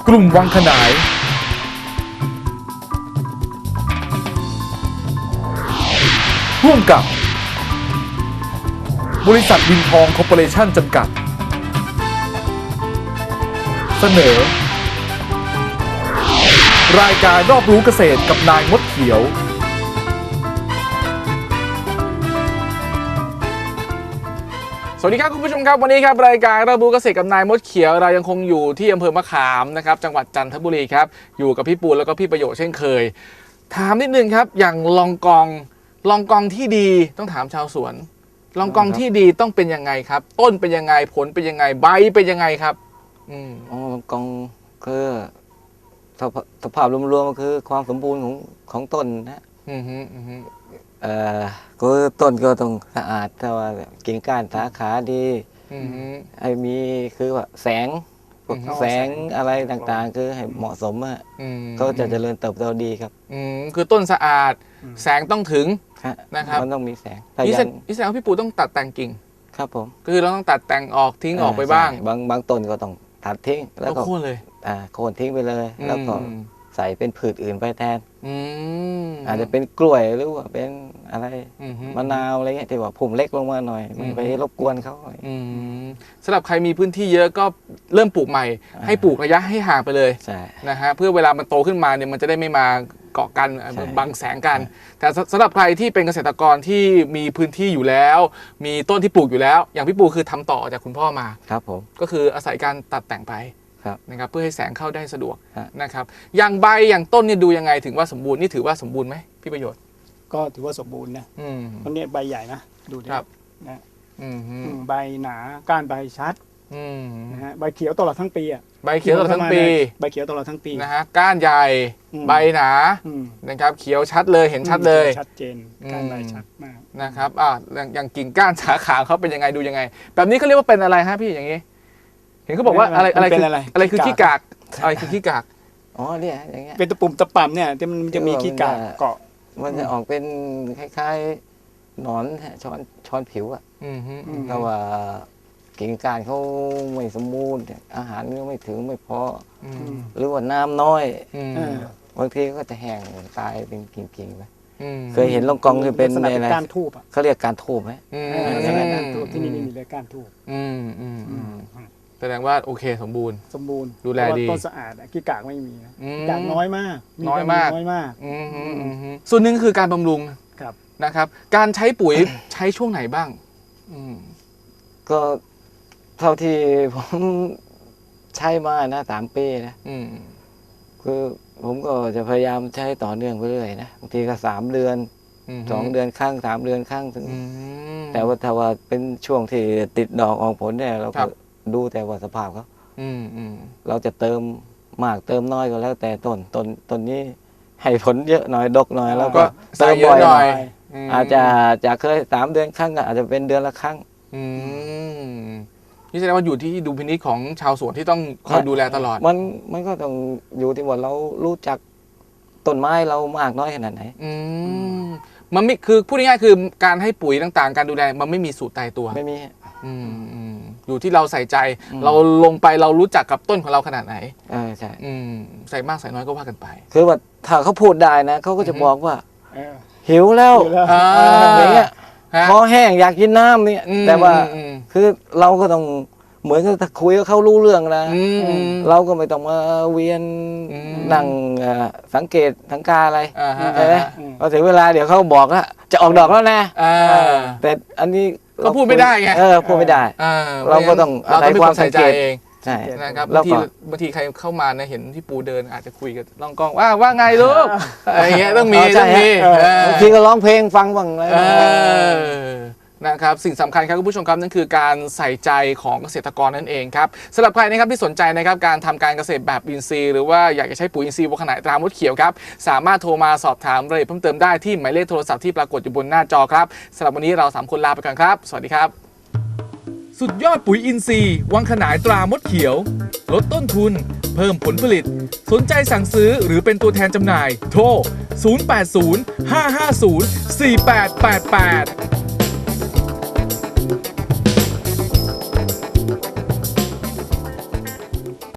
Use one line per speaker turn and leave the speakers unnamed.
กลุ่มวังขนายร่วมกับบริษัทวินทองคอร์ปอเรชั่นจำกัดเสนอรายการรอบรู้เกษตรกับนายมดเขียวสวัสดีครับคุณผู้ชมครับวันนี้ครับรายการรอบรู้เกษตรกับนายมดเขียวเรายังคงอยู่ที่อำเภอมะขามนะครับจังหวัดจันทบุรีครับอยู่กับพี่ปูนแล้วก็พี่ประโยชน์เช่นเคยถามนิดนึงครับอย่างลองกองที่ดีต้องถามชาวสวนลองกองที่ดีต้องเป็นยังไงครับต้นเป็นยังไงผลเป็นยังไงใบเป็นยังไงครับ
ลองกองคือสภาพรวมๆก็คือความสมบูรณ์ของต้นนะคือต้นก็ต้องสะอาดถ้าว่ากิ่งก้านสาขาดีไอ้มีคือว่าแสงอะไรต่างๆคือให้เหมาะสมอ่ะก็จะเจริญเติบโตดีครับ
คือต้นสะอาดแสงต้องถึงนะครับ
มันต้องมีแสง
นี่แสดงว่าพี่ปูต้องตัดแต่งกิ่ง
ครับผม
คือเราต้องตัดแต่งออกทิ้งออกไปบ้าง
บางต้นก็ต้องตัดทิ้งแล้วก็
โค่นเลย
โค่นทิ้งไปเลยแล้วก็ใส่เป็นผืชอื่นไปแทนอาจจะเป็นกล้วยหรือว่าเป็นอะไรมะนาวอะไรเงี้ยที่ว่าพุ่มเล็กลงมาหน่อยไม่ไปรบกวนเขา
สำหรับใครมีพื้นที่เยอะก็เริ่มปลูกใหม่ให้ปลูกระยะให้ห่างไปเลยนะฮะเพื่อเวลามันโตขึ้นมาเนี่ยมันจะได้ไม่มาเกาะกันบังแสงกันแต่สำหรับใครที่เป็นเกษตรกรที่มีพื้นที่อยู่แล้วมีต้นที่ปลูกอยู่แล้วอย่างพี่ปูคือทำต่อจากคุณพ่อมา
ครับผม
ก็คืออาศัยการตัดแต่งไปนะครับเพื่อให้แสงเข้าได้สะดวกนะครับอย่างใบอย่างต้นเนี่ยดูยังไงถึงว่าสมบูรณ์นี่ถือว่าสมบูรณ์ไหมพี่ประโยชน์
ก็ถือว่าสมบูรณ์นะตอนนี้ใบใหญ่นะดูดินะใบหนาก้านใบชัดนะฮะใบเขียวตลอดทั้งปีอ่ะ
ใบเขียวตลอดทั้งปี
ใบเขียวตลอดทั้งปี
นะฮะก้านใหญ่ใบหนานะครับเขียวชัดเลยเห็นชัดเลย
ชัดเจนก้านใบชัดมาก
นะครับอย่างกิ่งก้านสาขาเขาเป็นยังไงดูยังไงแบบนี้เขาเรียกว่าเป็นอะไรฮะพี่อย่างนี้เห็นเขาบอกว่าอะไรคือขี้กากอะไรคือขี้กาก
อ๋อเนี่ยอย่างเงี้ย
เป็นตะปุ่มตะป่ำเนี่ยมันจะมีขี้กากเกาะ
มันจะออกเป็นคล้ายๆหนอนช้อนผิวอ่ะแต่ว่ากิ่งก้านเขาไม่สมบูรณ์อาหารก็ไม่ถึงไม่พอหรือว่าน้ำน้อยบางทีก็จะแห้งตายเป็นกิ่งๆไปเคยเห็นลองกองคือเป็นอะไร
การทูบ
เขาเรียกการทูบไหม
การทูบที่นี่ไม่มีเลยการทูบ
แสดงว่าโอเคสมบูรณ์ดูแลดี
ต้นสะอาดขี้กากไม่มีกากน้อยมาก
ส่วนหนึ่งคือการบำรุงนะครับการใช้ปุ๋ยใช้ช่วงไหนบ้าง
ก็เท่าที่ผมใช้มานะ3 ปีนะคือผมก็จะพยายามใช้ต่อเนื่องไปเรื่อยนะบางทีก็3 เดือน2 เดือนครั้ง3 เดือนครั้งถึงแต่ว่าถ้าว่าเป็นช่วงที่ติดดอกออกผลเนี่ยเราก็ดูแต่ว่าสภาพเขาเราจะเติมมากเติมน้อยก็แล้วแต่ต้นนี้ให้ผลเยอะหน่อยดกหน่อยแล้วก็
เติมบ่อยหน่อย
อาจจะเคย3 เดือนครั้งก็อาจจะเป็นเดือนละครั้ง
นี่แสดงว่าอยู่ที่ดุลพินิจของชาวสวนที่ต้องคอยดูแลตลอด
มันก็ต้องอยู่ที่ว่าเรารู้จักต้นไม้เรามากน้อยขนาดไหน
มันไม่คือพูดง่ายๆคือการให้ปุ๋ยต่างๆการดูแลมันไม่มีสูตรตายตัว
ไม่มี
อยู่ที่เราใส่ใจเราลงไปเรารู้จักกับต้นของเราขนาดไหน
ใช่
ใส่มากใส่น้อยก็ว่ากันไป
คือว่าถ้าเขาพูดได้นะเขาก็จะบอกว่าหิวแล้วอย่างเงี้ยคอแห้งอยากกินน้ำเนี่ยแต่ว่าคือเราก็ต้องเหมือนกับคุยกับเขารู้เรื่องนะเราก็ไม่ต้องมาเวียนนั่งสังเกตสังกาอะไรใช่ไหมพอถึงเวลาเดี๋ยวเขาบอกว่าจะออกดอกแล้วนะแต่อันนี้
ก็พูดไม่ได้ไง
พูดไม่ได้เราก็ต้อง
อาศัยความใส่ใจเอง
ใช่
นะครับบางทีใครเข้ามานะเห็นที่ปูเดินอาจจะคุยกับลองกองว่าไงลูกอะไรเงี้ยต้องมี
บางทีก็ร้องเพลงฟังบ้างอะไร
นะครับสิ่งสำคัญครับคุณผู้ชมครับนั่นคือการใส่ใจของเกษตรกรนั่นเองครับสำหรับใครนะครับที่สนใจนะครับการทำการเกษตรแบบอินทรีย์หรือว่าอยากจะใช้ปุ๋ยอินทรีย์วัวขนายตรามดเขียวครับสามารถโทรมาสอบถามรายละเอียดเพิ่มเติมได้ที่หมายเลขโทรศัพท์ที่ปรากฏอยู่บนหน้าจอครับสำหรับวันนี้เรา3 คนลาไปก่อนครับสวัสดีครับสุดยอดปุ๋ยอินทรีย์วังขนายตรามดเขียวลดต้นทุนเพิ่มผลผลิตสนใจสั่งซื้อหรือเป็นตัวแทนจำหน่ายโทร 080 550 4888